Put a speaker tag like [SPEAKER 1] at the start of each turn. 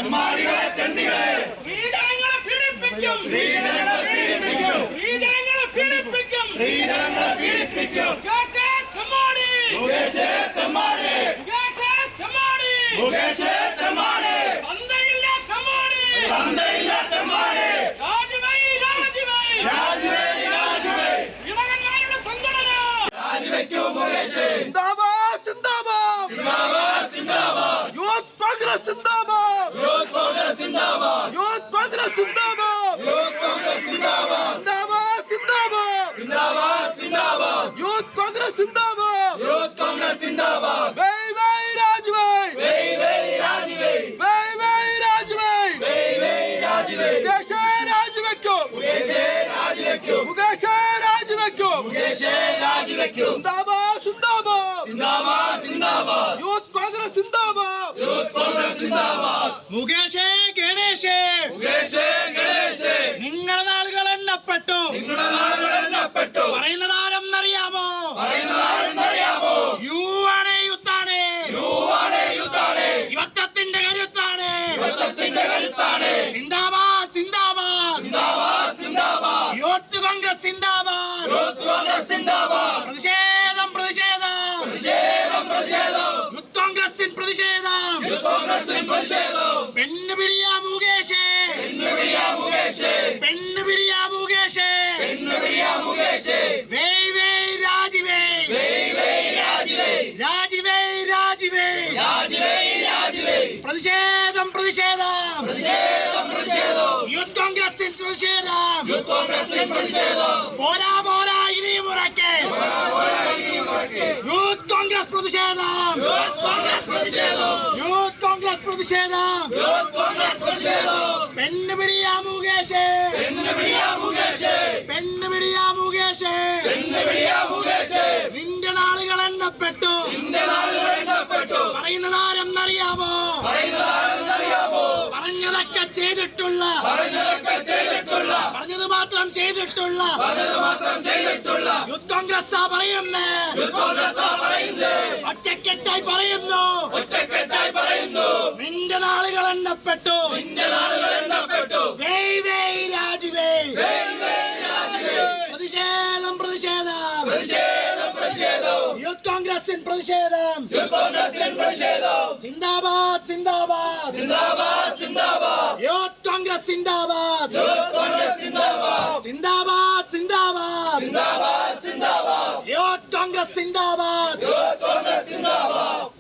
[SPEAKER 1] തെമ്മാടികളെ തെണ്ടികളെ
[SPEAKER 2] സ്ത്രീജനങ്ങളെ പീഡിപ്പിക്കും
[SPEAKER 1] സ്ത്രീജനങ്ങളെ പീഡിപ്പിക്കും
[SPEAKER 2] സ്ത്രീജനങ്ങളെ പീഡിപ്പിക്കും
[SPEAKER 1] സ്ത്രീജനങ്ങളെ പീഡിപ്പിക്കും
[SPEAKER 2] മുകേഷേ തെമ്മാടി
[SPEAKER 1] മുകേഷേ തെമ്മാടി
[SPEAKER 2] മുകേഷേ തെമ്മാടി
[SPEAKER 1] മുകേഷേ തെമ്മാടി
[SPEAKER 2] തന്തയില്ല തെമ്മാടി
[SPEAKER 1] തന്തയില്ല തെമ്മാടി
[SPEAKER 2] രാജിവൈ രാജിവൈ
[SPEAKER 1] രാജിവേ രാജിവേ
[SPEAKER 2] ഇളകന്മാരുടെ സംഘടന
[SPEAKER 1] രാജിവെക്കൂ മുകേഷേ
[SPEAKER 3] സിന്ദാബാദ് സിന്ദാബാദ്
[SPEAKER 1] സിന്ദാബാദ് സിന്ദാബാദ്
[SPEAKER 3] യൂത്ത് കോൺഗ്രസ് സിന്ദാബാദ്
[SPEAKER 1] യൂത്ത് കോൺഗ്രസ് സിന്ദാബാദ്
[SPEAKER 3] യൂത്ത് കോൺഗ്രസ് സിന്ദാബാദ്
[SPEAKER 1] യൂത്ത് കോൺഗ്രസ് സിന്ദാബാദ്
[SPEAKER 3] സിന്ദാബാദ് സിന്ദാബാദ്
[SPEAKER 1] സിന്ദാബാദ് സിന്ദാബാദ്
[SPEAKER 3] യൂത്ത് കോൺഗ്രസ് സിന്ദാബാദ്
[SPEAKER 1] യൂത്ത് കോൺഗ്രസ് സിന്ദാബാദ്
[SPEAKER 3] വൈ രാജ്വൈ
[SPEAKER 1] വൈ രാജിവേ
[SPEAKER 3] വൈ രാജ്വൈ
[SPEAKER 1] വൈ രാജിവേ
[SPEAKER 3] മുകേഷേ രാജിവെക്കൂ
[SPEAKER 1] മുകേഷേ രാജിവെക്കൂ
[SPEAKER 3] മുകേഷേ രാജിവെക്കൂ
[SPEAKER 1] മുകേഷേ രാജിവെക്കൂ
[SPEAKER 3] സിന്ദാബാദ് സിന്ദാബാദ്
[SPEAKER 1] സിന്ദാബാദ് സിന്ദാബാദ്
[SPEAKER 3] യൂത്ത് കോൺഗ്രസ് സിന്ദാബാദ്
[SPEAKER 1] യൂത്ത് കോൺഗ്രസ് സിന്ദാബാദ്
[SPEAKER 3] മുകേഷേ ഗണേഷേ
[SPEAKER 1] മുകേഷേ ഗണേഷേ
[SPEAKER 3] നിങ്ങളുടെ നാളുകൾ എണ്ണപ്പെട്ടു
[SPEAKER 1] നിങ്ങളുടെ നാളുകൾ എണ്ണപ്പെട്ടു
[SPEAKER 3] പറയുന്നതാരെന്നറിയാമോ
[SPEAKER 1] പറയുന്നതാരെന്നറിയാമോ
[SPEAKER 3] യു ആണ് യുത്താണ്
[SPEAKER 1] യുവാണ് യുദ്ധാണ്
[SPEAKER 3] യുദ്ധത്തിന്റെ കരുത്താണ്
[SPEAKER 1] യുദ്ധത്തിന്റെ കരുത്താണ്
[SPEAKER 3] സിന്ദാബാദ് സിന്ദാബാദ്
[SPEAKER 1] സിന്ദാബാദ് സിന്ദാബാദ്
[SPEAKER 3] യൂത്ത് കോൺഗ്രസ് സിന്ദാബാദ്
[SPEAKER 1] യൂത്ത് കോൺഗ്രസ് സിന്ദാബാദ്
[SPEAKER 3] പ്രതിഷേധം പ്രതിഷേധം
[SPEAKER 1] പ്രതിഷേധം പ്രതിഷേധം
[SPEAKER 3] യൂത്ത് കോൺഗ്രസിൻ പ്രതിഷേധം
[SPEAKER 1] യൂത്ത് കോൺഗ്രസിൻ പ്രതിഷേധം
[SPEAKER 3] പെണ്ണുപിടിയാ മുകേഷേ
[SPEAKER 1] പെണ്ണുപിടിയാ മുകേഷേ
[SPEAKER 3] പെണ്ണുപിടിയാ മുകേഷേ
[SPEAKER 1] പെണ്ണുപിടിയാ മുകേഷേ
[SPEAKER 3] വൈ രാജിവേ
[SPEAKER 1] വൈ രാജിവേ
[SPEAKER 3] രാജിവേ രാജിവേ
[SPEAKER 1] രാജിവേ രാജിവേ
[SPEAKER 3] പ്രതിഷേധം പ്രതിഷേധം
[SPEAKER 1] പ്രതിഷേധം പ്രതിഷേധം
[SPEAKER 3] യൂത്ത് കോൺഗ്രസിൻ പ്രതിഷേധം
[SPEAKER 1] യൂത്ത് കോൺഗ്രസിൻ പ്രതിഷേധം
[SPEAKER 3] പോരാ പോരാ ഇനിയും ഉറക്കെ യൂത്ത് കോൺഗ്രസ് പ്രതിഷേധം
[SPEAKER 1] യൂത്ത് കോൺഗ്രസ് പ്രതിഷേധം
[SPEAKER 3] യൂത്ത് കോൺഗ്രസ് പ്രതിഷേധം
[SPEAKER 1] യൂത്ത് കോൺഗ്രസ് പ്രതിഷേധം
[SPEAKER 3] പെണ്ണുപിടിയാ മുകേഷേ
[SPEAKER 1] പെണ്ണുപിടിയാ മുകേഷേ
[SPEAKER 3] പെണ്ണുപിടിയാ മുകേഷേ
[SPEAKER 1] പെണ്ണുപിടിയാ മുകേഷേ
[SPEAKER 3] നിന്റെ നാളുകൾ എണ്ണപ്പെട്ടു
[SPEAKER 1] നിന്റെ നാളുകൾ എണ്ണപ്പെട്ടു
[SPEAKER 3] പറയുന്നതാരെന്നറിയാമോ
[SPEAKER 1] പറയുന്നതാരെന്നറിയാമോ
[SPEAKER 3] പറഞ്ഞതൊക്കെ ചെയ്തിട്ടുള്ള
[SPEAKER 1] പറഞ്ഞതൊക്കെ ചെയ്തിട്ടുള്ള
[SPEAKER 3] പറഞ്ഞത് മാത്രം ചെയ്തിട്ടുള്ള
[SPEAKER 1] പറഞ്ഞത് മാത്രം ചെയ്തിട്ടുള്ള
[SPEAKER 3] യൂത്ത് കോൺഗ്രസ് പറയുന്നേ
[SPEAKER 1] യൂത്ത് കോൺഗ്രസ് പറയുന്നത്
[SPEAKER 3] ഒറ്റക്കെട്ടായി പറയുന്നു
[SPEAKER 1] ഒറ്റക്കെട്ടായി പറയുന്നു
[SPEAKER 3] നിന്റെ നാളുകൾ എണ്ണപ്പെട്ടു
[SPEAKER 1] നിന്റെ നാളുകൾ എണ്ണപ്പെട്ടു
[SPEAKER 3] വൈ രാജിവേ
[SPEAKER 1] വൈ രാജിവേ
[SPEAKER 3] പ്രതിഷേധം പ്രതിഷേധം
[SPEAKER 1] പ്രതിഷേധം പ്രതിഷേധം
[SPEAKER 3] യൂത്ത് കോൺഗ്രസിൻ പ്രതിഷേധം
[SPEAKER 1] യൂത്ത് കോൺഗ്രസിൻ പ്രതിഷേധം
[SPEAKER 3] സിന്ദാബാദ് സിന്ദാബാദ്
[SPEAKER 1] സിന്ദാബാദ് സിന്ദാബാദ്
[SPEAKER 3] യൂത്ത് കോൺഗ്രസ് സിന്ദാബാദ്
[SPEAKER 1] യൂത്ത് കോൺഗ്രസ് സിന്ദാബാദ്
[SPEAKER 3] സിന്ദാബാദ് സിന്ദാബാദ്
[SPEAKER 1] സിന്ദാബാദ് സിന്ദാബാദ്
[SPEAKER 3] യൂത്ത് കോൺഗ്രസ് സിന്ദാബാദ്
[SPEAKER 1] യൂത്ത് കോൺഗ്രസ് സിന്ദാബാദ്